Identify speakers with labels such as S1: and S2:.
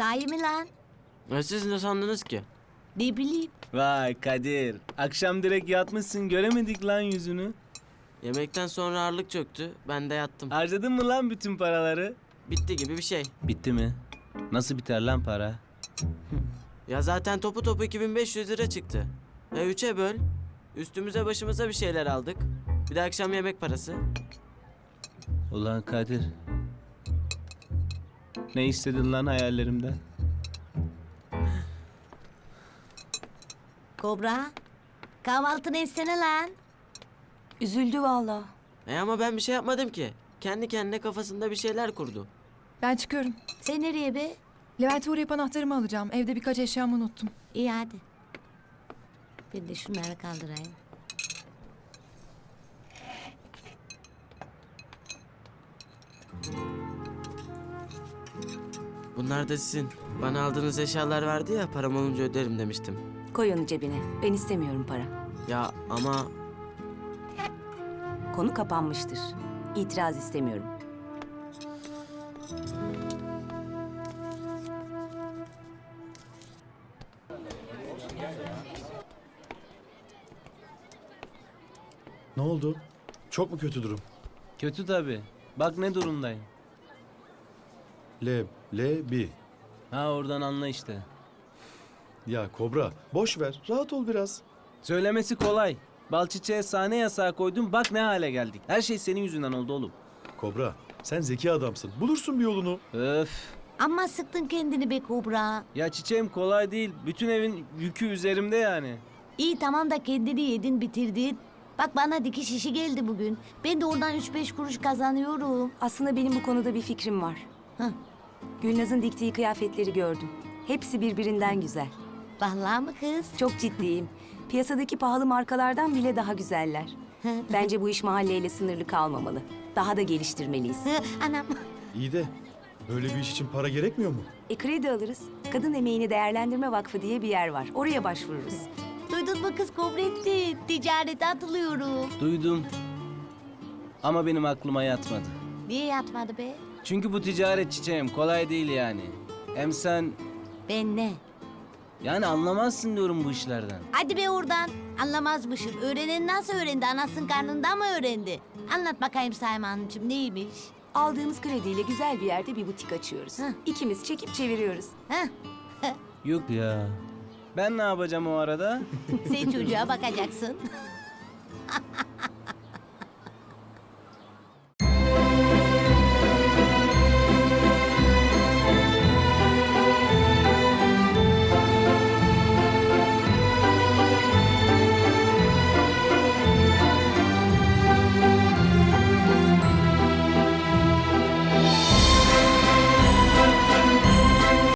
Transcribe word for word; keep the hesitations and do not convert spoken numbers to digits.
S1: Sahi mi lan?
S2: Ya siz ne sandınız ki?
S1: Ne bileyim.
S3: Vay Kadir. Akşam direkt yatmışsın, göremedik lan yüzünü.
S2: Yemekten sonra ağırlık çöktü. Ben de yattım.
S3: Harcadın mı lan bütün paraları?
S2: Bitti gibi bir şey.
S3: Bitti mi? Nasıl biter lan para?
S2: Ya zaten topu topu iki bin beş yüz lira çıktı. E üçe böl. Üstümüze başımıza bir şeyler aldık. Bir de akşam yemek parası.
S3: Ulan Kadir. Ne istedin lan hayallerimden?
S1: Kobra. Kahvaltını etsene lan.
S4: Üzüldü vallahi.
S2: E ama ben bir şey yapmadım ki. Kendi kendine kafasında bir şeyler kurdu.
S5: Ben çıkıyorum.
S1: Sen nereye be?
S5: Levent'e uğrayıp anahtarımı alacağım. Evde birkaç eşyamı unuttum.
S1: İyi hadi. Ben de şunları kaldırayım.
S2: Bunlar da sizin. Bana aldığınız eşyalar vardı ya, param olunca öderim demiştim.
S4: Koy onu cebine. Ben istemiyorum para.
S2: Ya ama
S4: Konu kapanmıştır. İtiraz istemiyorum.
S6: Ne oldu? Çok mu kötü durum?
S3: Kötü tabii. Bak ne durumdayım.
S6: Le, le, bi.
S3: Ha oradan anla işte.
S6: Ya Kobra, boş ver. Rahat ol biraz.
S3: Söylemesi kolay. Balçiçe'ye sahne yasağı koydum, bak ne hale geldik. Her şey senin yüzünden oldu oğlum.
S6: Kobra, sen zeki adamsın. Bulursun bir yolunu.
S3: Öf.
S1: Amma sıktın kendini be Kobra.
S3: Ya çiçeğim kolay değil. Bütün evin yükü üzerimde yani.
S1: İyi tamam da kendini yedin bitirdin. Bak bana dikiş işi geldi bugün. Ben de oradan üç beş kuruş kazanıyorum.
S4: Aslında benim bu konuda bir fikrim var.
S1: Hah.
S4: Gülnaz'ın diktiği kıyafetleri gördüm. Hepsi birbirinden güzel.
S1: Vallahi mı kız?
S4: Çok ciddiyim. Piyasadaki pahalı markalardan bile daha güzeller. Bence bu iş mahalleyle sınırlı kalmamalı. Daha da geliştirmeliyiz.
S1: Hı, Anam.
S6: İyi de böyle bir iş için para gerekmiyor mu?
S4: E kredi alırız. Kadın Emeğini Değerlendirme Vakfı diye bir yer var. Oraya başvururuz.
S1: Duydun mu kız Kobretti? Ticarete atılıyorum.
S3: Duydum. Ama benim aklıma yatmadı.
S1: Niye yatmadı be?
S3: Çünkü bu ticaret çiçeğim kolay değil yani. Hem sen
S1: Ben ne?
S3: yani anlamazsın diyorum bu işlerden.
S1: Hadi be oradan. Anlamazmışım. Öğrenen nasıl öğrendi? Anasının karnında mı öğrendi? Anlat bakayım Sayma Hanımcığım neymiş?
S4: Aldığımız krediyle güzel bir yerde bir butik açıyoruz.
S1: Heh.
S4: İkimiz çekip çeviriyoruz.
S1: Heh,
S3: Yok ya. Ben ne yapacağım o arada?
S1: sen çocuğa bakacaksın.